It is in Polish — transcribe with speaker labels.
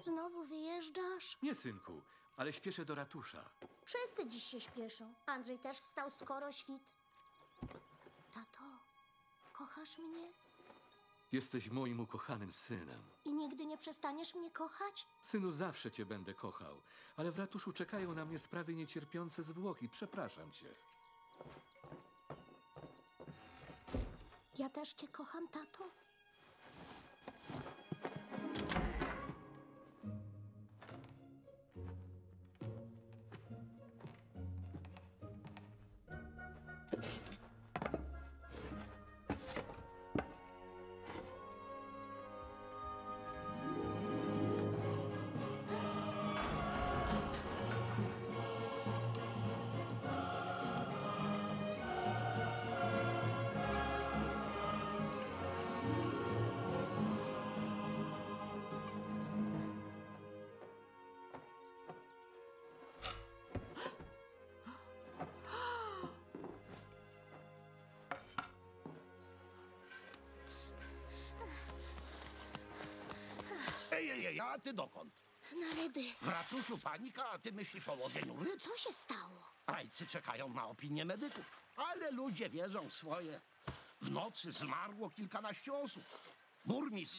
Speaker 1: Znowu wyjeżdżasz?
Speaker 2: Nie, synku, ale śpieszę do ratusza.
Speaker 1: Wszyscy dziś się śpieszą. Andrzej też wstał skoro świt. Tato, kochasz mnie?
Speaker 2: Jesteś moim ukochanym synem.
Speaker 1: I nigdy nie przestaniesz mnie kochać?
Speaker 2: Synu, zawsze cię będę kochał, ale w ratuszu czekają na mnie sprawy niecierpiące zwłoki. Przepraszam cię.
Speaker 1: Ja też cię kocham, tato.
Speaker 3: Ej, a ty dokąd?
Speaker 1: Na ryby.
Speaker 3: W ratuszu panika, a ty myślisz o łowieniu ryb?
Speaker 1: Co się stało?
Speaker 3: Rajcy czekają na opinię medyków, ale ludzie wierzą w swoje. W nocy zmarło kilkanaście osób. Burmistrz